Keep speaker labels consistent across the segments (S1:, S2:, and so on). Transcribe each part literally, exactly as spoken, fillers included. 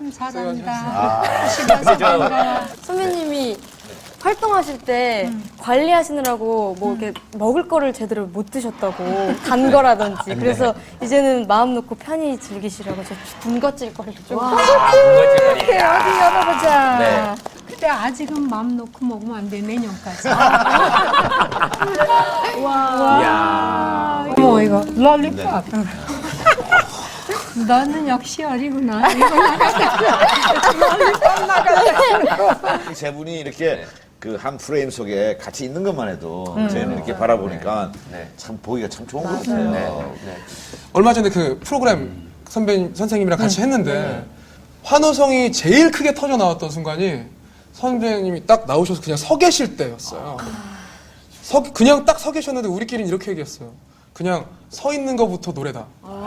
S1: 참 잘한다.
S2: 아,
S1: 집에서 반가워.
S3: 선배님이 활동하실 때 관리하시느라고 뭐 이렇게 먹을 거를 제대로 못 드셨다고 단 거라든지 그래서 이제는 마음 놓고 편히 즐기시라고 저 군것질 거리를 좀
S1: 이렇게 어디 열어보자.
S2: 네.
S1: 근데 아직은 마음 놓고 먹으면 안 돼. 내년까지.
S2: 이야.
S1: 어머 이거 롤리팝. 너는 역시 어리구나. 이거 나가자. 롤리팝 나가자.
S4: 세 분이 이렇게 그 한 프레임 속에 같이 있는 것만 해도
S1: 음.
S4: 저희는 이렇게 바라보니까
S2: 네.
S4: 참 보기가 참 좋은 것 같아요.
S2: 네. 네.
S5: 얼마 전에 그 프로그램 선배 선생님이랑 같이 했는데 환호성이 제일 크게 터져 나왔던 순간이 선배님이 딱 나오셔서 그냥 서 계실 때였어요. 서, 그냥 딱 서 계셨는데 우리끼리는 이렇게 얘기했어요. 그냥 서 있는 것부터 노래다.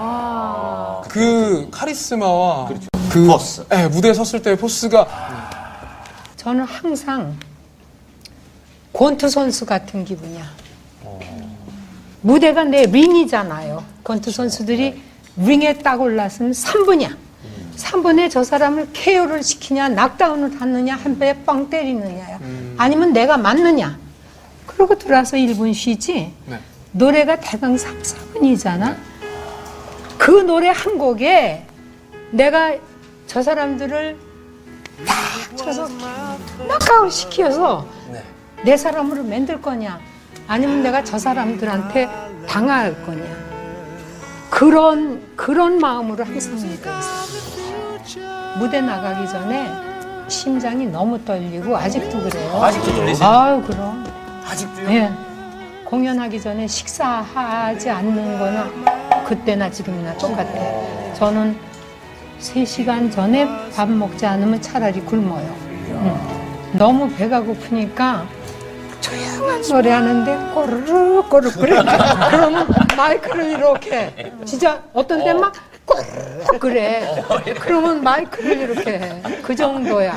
S5: 그 카리스마와 그
S4: 포스.
S5: 네, 무대에 섰을 때의 포스가
S1: 저는 항상 권투 선수 같은 기분이야. 무대가 내 링이잖아요. 권투 선수들이 링에 딱 올랐으면 삼 분이야. 삼 분에 저 사람을 케어를 시키냐, 낙다운을 하느냐, 한 배에 뻥 때리느냐야. 아니면 내가 맞느냐. 그러고 들어와서 일 분 쉬지.
S5: 네.
S1: 노래가 대강 삼, 사 분이잖아. 그 노래 한 곡에 내가 저 사람들을 딱 쳐서 낙아웃 시켜서
S5: 네.
S1: 내 사람으로 만들 거냐 아니면 내가 저 사람들한테 당할 거냐 그런 그런 마음으로 항상 무대했어요. 무대 나가기 전에 심장이 너무 떨리고 아직도 그래요.
S2: 아직도 떨리세요?
S1: 아유 그럼.
S2: 아직도요?
S1: 예. 공연하기 전에 식사하지 않는 거나 그때나 지금이나 똑같아요. 저는 세 시간 전에 밥 먹지 않으면 차라리 굶어요. 응. 너무 배가 고프니까 조용한 노래 하는데 꼬르륵 꼬르륵 그래. 그러면 마이크를 이렇게 진짜 어떤 때 막 꼬르륵 그래. 그러면 마이크를 이렇게 해. 그 정도야.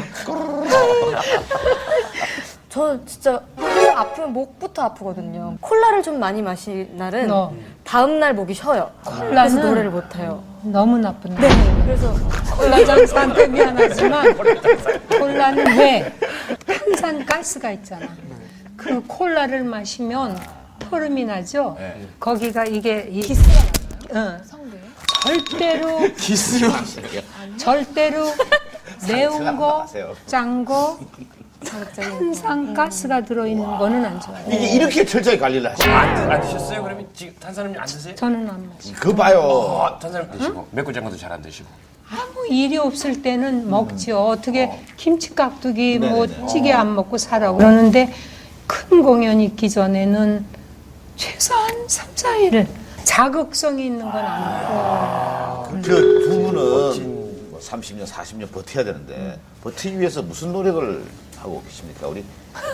S3: 저 진짜 코 아프면 목부터 아프거든요. 콜라를 좀 많이 마신 날은
S1: 너.
S3: 다음 날 목이 쉬어요. 그래서 노래를 못 해요.
S1: 너무 나쁜
S3: 네, 그래서
S1: 콜라 장사한테 미안하지만 콜라는 왜 탄산 가스가 있잖아. 그 콜라를 마시면 토름이 나죠. 거기가 이게 이, 기스가 나요. 절대로
S5: 기스로
S1: 절대로 매운 거,
S4: 마세요.
S1: 짠 거, 탄산 가스가 들어있는 거는 안 좋아요.
S4: 이게 이렇게 철저히 관리를 하시는
S2: 안, 안 드셨어요? 그러면 지금 탄산음료 안 드세요?
S1: 저는 안 마셔.
S4: 거 봐요.
S2: 어, 탄산음 드시고 맵고 짠 것도 잘 안 드시고.
S1: 아무 일이 없을 때는 먹지요. 어떻게 김치 깍두기 뭐 찌개 안 먹고 살아 그러는데 큰 공연 있기 전에는 최소한 삼, 사 일 자극성이 있는 건 안 먹고.
S4: 저 두 분은 뭐 삼십 년, 사십 년 버텨야 되는데 버티기 위해서 무슨 노력을 하고 계십니까? 우리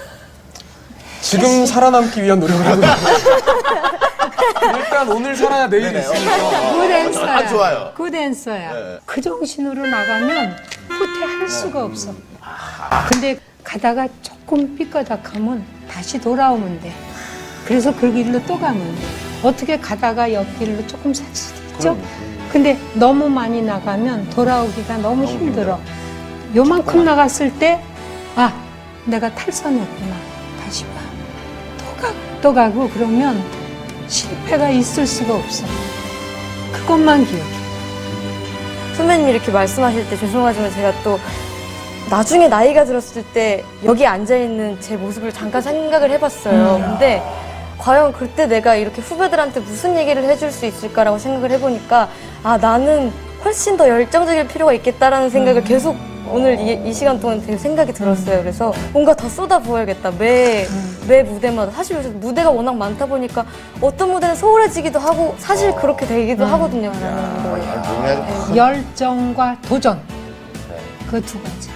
S5: 지금 살아남기 위한 노력을 하고 있어요. 일단 오늘 살아야 내일이 있으니까.
S1: 그 댄서야.
S4: 아, 좋아요.
S1: 그 댄서야.
S4: 네.
S1: 그 정신으로 나가면 후퇴할 수가 없어. 근데 가다가 조금 삐까닥하면 다시 돌아오면 돼. 그래서 그 길로 또 가면 돼. 어떻게 가다가 옆길로 조금 살 수도 있죠? 근데 너무 많이 나가면 돌아오기가 너무 힘들어. 요만큼 나갔을 때, 아, 내가 탈선했구나. 다시 봐. 또 가고, 또 가고, 그러면 실패가 있을 수가 없어. 그것만 기억해.
S3: 선배님이 이렇게 말씀하실 때 죄송하지만 제가 또 나중에 나이가 들었을 때 여기 앉아있는 제 모습을 잠깐 생각을 해봤어요. 근데 과연 그때 내가 이렇게 후배들한테 무슨 얘기를 해줄 수 있을까라고 생각을 해보니까 아 나는 훨씬 더 열정적일 필요가 있겠다라는 생각을 계속 오늘 이, 이 시간 동안 되게 생각이 들었어요. 그래서 뭔가 더 쏟아부어야겠다. 매, 매 무대마다. 사실 요새 무대가 워낙 많다 보니까 어떤 무대는 소홀해지기도 하고 사실 그렇게 되기도 하거든요. 하는 거에.
S4: 아,
S1: 열정과 도전. 그 두 가지.